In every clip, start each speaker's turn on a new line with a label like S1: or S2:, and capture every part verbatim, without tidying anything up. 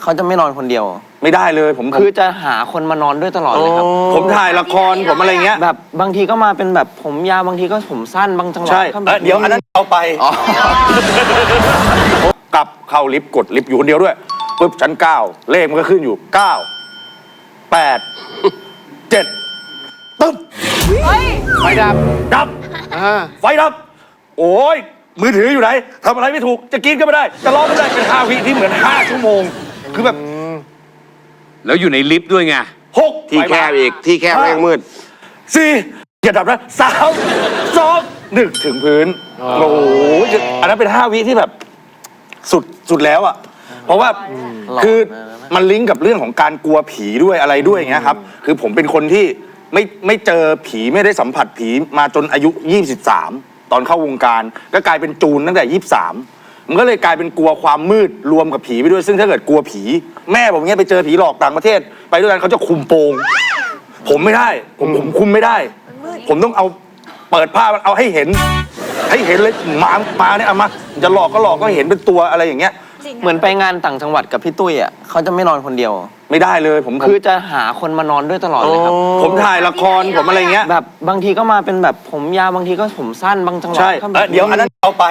S1: เขาจะไม่นอนคนเดียว
S2: ไม่ได้เลยผม
S1: คือจะหาคนมานอนด้วยตลอดเลยครับ
S2: ผมถ่ายละครผมอะไรเงี้ย
S1: แบบบางทีก็มาเป็นแบบผมยาวบางทีก็ผมสั้นบางจังหวะ
S2: ใช่เดี๋ยวอันนั้นเอาไปกลับเข้าลิฟต์กดลิฟต์อยู่คนเดียวด้วยปุ๊บชั้นเก้าเลขมันก็ขึ้นอยู่เก้าแปดเจ็ดตึ๊บ
S3: ไฟดับ
S2: ดับไฟดับโอ้ยมือถืออยู่ไหนทำอะไรไม่ถูกจะกินก็ไม่ได้จะร้องไม่ได้เป็นห้าวิที่เหมือนห้าชั่วโมงคือแบบ
S4: แล้วอยู่ในลิฟต์ด้วยไง
S2: หก
S3: ที่แคบอีกที่แคบแรงมืด
S2: สี่อย่าดับนะสามสองหนึ่งถึงพื้นโอ้โหอันนั้นเป็นห้าวิที่แบบสุดสุดแล้วอ่ะเพราะว่าคือมันลิงก์กับเรื่องของการกลัวผีด้วยอะไรด้วยอย่างเงี้ยครับคือผมเป็นคนที่ไม่ไม่เจอผีไม่ได้สัมผัสผีมาจนอายุยี่สิบสามตอนเข้าวงการก็กลายเป็นจูนตั้งแต่ยี่สิบสามมันก็เลยกลายเป็นกลัวความมืดรวมกับผีไปด้วยซึ่งถ้าเกิดกลัวผีแม่ผมเงี้ยไปเจอผีหลอกต่างประเทศไปด้วยกันเขาจะคุมโปงผมไม่ได้ผมผมคุมไม่ได้ผมต้องเอาเปิดผ้าเอาให้เห็นให้เห็นเลยมามาเนี่ยเอามาจะหลอกก็หลอกก็เห็นเป็นตัวอะไรอย่างเงี้ย
S1: เหมือนไปงานต่างจังหวัดกับพี่ตุ้ยอ่ะเขาจะไม่นอนคนเดียว
S2: ไม่ได้เลยผม
S1: คือจะหาคนมานอนด้วยตลอดเลยครับ
S2: ผมถ่ายละครผมอะไรเงี้ย
S1: แบบบางทีก็มาเป็นแบบผมยาวบางทีก็ผมสั้นบางจังหวะ
S2: ใช่เดี๋ยวอันนั้นเอาไป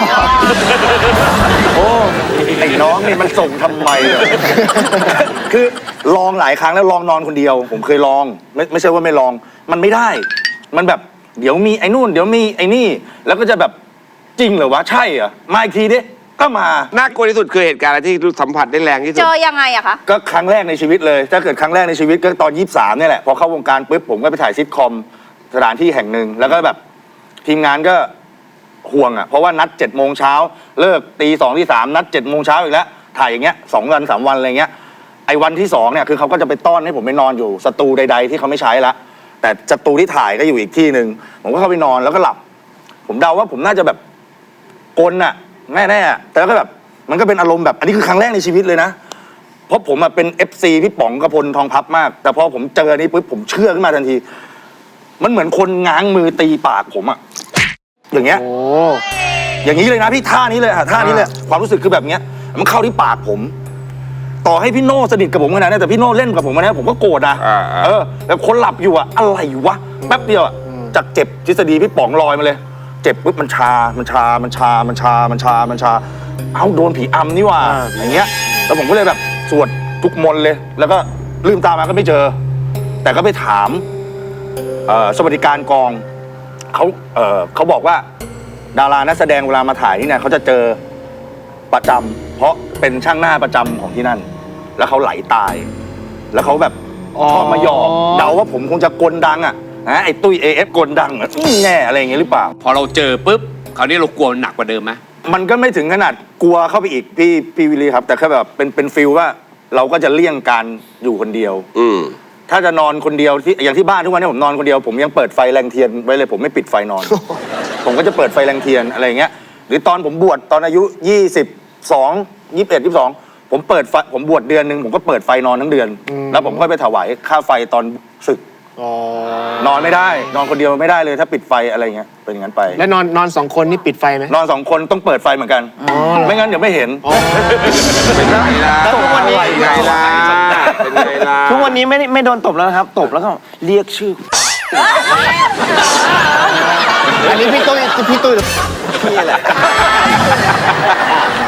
S2: โอ้ไอ้น้องนี่มันส่งทำไมคือลองหลายครั้งแล้วลองนอนคนเดียวผมเคยลองไม่ไม่ใช่ว่าไม่ลองมันไม่ได้มันแบบเดี๋ยวมีไอ้นู่นเดี๋ยวมีไอ้นี่แล้วก็จะแบบจริงเหรอวะใช่เหรอมาอีกทีดิก็มา
S3: น่ากลัวที่สุดคือเหตุการณ์อะไรที่สัมผัสได้แรงที่สุด
S5: เจอยังไงอะคะ
S2: ก็ครั้งแรกในชีวิตเลยถ้าเกิดครั้งแรกในชีวิตก็ตอนยี่สิบสามเนี่ยแหละพอเข้าวงการปุ๊บผมก็ไปถ่ายซิทคอมสถานที่แห่งหนึ่งแล้วก็แบบทีมงานก็ห่วงอ่ะเพราะว่านัดเจ็ดโมงเช้าเลิกตีสองที่สามนัดเจ็ดโมงเช้าอีกแล้วถ่ายอย่างเงี้ยสองวันสามวันอะไรเงี้ยไอ้วันที่สองเนี่ยคือเขาก็จะไปต้อนให้ผมไปนอนอยู่สตูใดๆที่เขาไม่ใช้ละแต่สตูที่ถ่ายก็อยู่อีกที่หนึ่งผมก็เข้าไปนอนแล้วก็หลับผมเดาว่าผมน่าจะแบบกลน่ะแน่แน่แต่ก็แบบมันก็เป็นอารมณ์แบบอันนี้คือครั้งแรกในชีวิตเลยนะเพราะผมเป็น เอฟ ซี พี่ป๋องกระพลทองพับมากแต่พอผมเจออันนี้ปุ๊บผมเชื่อขึ้นมาทันทีมันเหมือนคนง้างมือตีปากผมอะอย่างเงี้ยอย่างนี้เลยนะพี่ท่านี้เลยอะท่านี้เลยความรู้สึกคือแบบเงี้ยมันเข้าที่ปากผมต่อให้พี่โน่สนิทกับผมขนาดนี้แต่พี่โน่เล่นกับผมนะผมก็โกรธนะเออแบบคนหลับอยู่อะอะไรวะแป๊บเดียวอะจากเจ็บทฤษฎีพี่ป๋องลอยมาเลยเจ็บปุ๊บมันชา มันชา มันชา มันชา มันชา มันชา เอ้าโดนผีอำนี่ว่าอย่างเงี้ยแล้วผมก็เลยแบบสวดทุกมนต์เลย แล้วก็ลืมตามาก็ไม่เจอ แต่ก็ไปถามสวัสดิการกองเขาเเขาบอกว่าดารานักแสดงเวลามาถ่ายที่เนี่ยเขาจะเจอประจำเพราะเป็นช่างหน้าประจำของที่นั่น แล้วเขาไหลตาย แล้วเขาแบบชอบมาหยอกเดาว่าผมคงจะกลดังอ่ะนะไอ้ตุ้ย เอ เอฟ กลดังแน่อะไรอย่างเงี้ยหรือเปล่า
S4: พอเราเจอปุ๊บคราวนี้เรากลัวหนักกว่าเดิมไหม
S2: มันก็ไม่ถึงขนาดกลัวเข้าไปอีกพี่พี่วิลลี่ครับแต่แค่แบบเป็นเป็นฟิลว่าเราก็จะเลี่ยงการอยู่คนเดียวอืมถ้าจะนอนคนเดียวที่อย่างที่บ้านทุกวันนี้ผมนอนคนเดียวผมยังเปิดไฟแรงเทียนไว้เลยผมไม่ปิดไฟนอน ผมก็จะเปิดไฟแรงเทียนอะไรอย่างเงี้ยหรือตอนผมบวชตอนอายุยี่สิบสองยี่สิบเอ็ดยี่สิบสองผมเปิดไฟผมบวชเดือนหนึ่งผมก็เปิดไฟนอนทั้งเดือนแล้วผมค่อยไปถวายค่าไฟตอนศึกนอนไม่ได้นอนคนเดียวไม่ได้เลยถ้าปิดไฟอะไรเงี้ยเป็นอย่างนั้นไป
S3: แล้วนอนนอนสองคนนี่ปิดไฟไหม
S2: นอนสองคนต้องเปิดไฟเหมือนกันไม่งั้นเดี๋ยวไม่เห็น
S3: เป็นไงล่ะ
S1: ทุกวันนี้
S3: เป็นไงล่ะเป็นไงล่ะ
S1: ทุกวันนี้ไม่ไม่โดนตบแล้วนะครับตบแล้วก็เรียกชื่อ
S3: อันนี้พี่ตุ้ยพี่ตุ้ย
S1: นี่แหละ